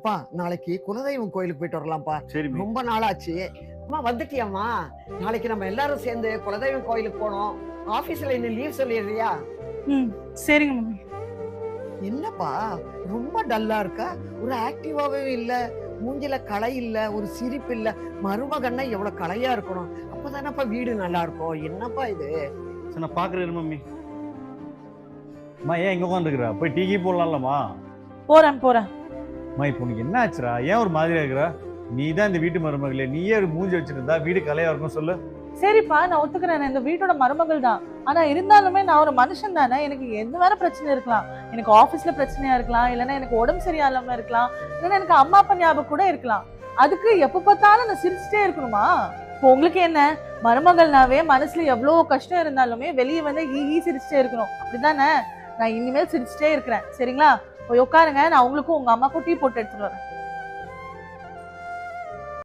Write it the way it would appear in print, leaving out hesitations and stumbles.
அப்பா நாளைக்கு குலதெய்வம் கோயிலுக்கு போயிட்டு வரலாம்ப்பா. சரிம்மா. ரொம்ப நாளாச்சு. அம்மா வந்துட்டியாம்மா? நாளைக்கு நம்ம எல்லாரும் சேர்ந்து குலதெய்வம் கோயிலுக்கு போனோம். ஆபீஸ்ல இன்னும் லீவ் சொல்லிடுறியா? ம் சரிங்க மம்மி. என்னப்பா ரொம்ப டல்லா இருக்கா? ஒரு ஆக்டிவாவே இல்ல. மூஞ்சில களை இல்ல, ஒரு சிரிப்பு இல்ல. மருமகன்னா எவ்வளவு களையா இருக்கணும். அப்பதானப்பா வீடு நல்லா இருக்கும். என்னப்பா இது? சரி நான் பாக்குறேன் மம்மி. அம்மா ஏன் இங்க உட்காந்துருக்குறா? போய் டீ போடலாம்லம்மா. போறேன். அம்மா இப்போ உனக்கு என்ன ஆச்சுடா? ஏன் ஒரு மாதிரியா இருக்கிறா? நீ தான் இந்த வீட்டு மருமகளே, நீயே ஒரு மூஞ்சி வச்சிருந்தா வீடு கலையா இருக்கும் சொல்லு. சரிப்பா, நான் ஒத்துக்கிறேன். நான் இந்த வீட்டோட மருமகள் தான். ஆனா இருந்தாலுமே நான் ஒரு மனுஷன் தானே. எனக்கு எந்த வேற பிரச்சனை இருக்கலாம். எனக்கு ஆபீஸ்ல பிரச்சனையா இருக்கலாம், இல்லைன்னா எனக்கு உடம்பு சரியில்லாம இருக்கலாம், இல்லைன்னா எனக்கு அம்மா அப்பா ஞாபகம் கூட இருக்கலாம். அதுக்கு எப்ப பார்த்தாலும் நான் சிரிச்சுட்டே இருக்கணுமா? இப்போ உங்களுக்கு என்ன, மருமகள்னாவே மனசுல எவ்வளவு கஷ்டம் இருந்தாலுமே வெளியே வந்து ஈ சிரிச்சுட்டே இருக்கணும், அப்படிதானே? நான் இனிமேல் சிரிச்சுட்டே இருக்கிறேன். சரிங்களா? போய் உட்காருங்க. நான் உங்களுக்கும் உங்க அம்மாக்கும் டீ போட்டு எடுத்துட்டு வரேன்.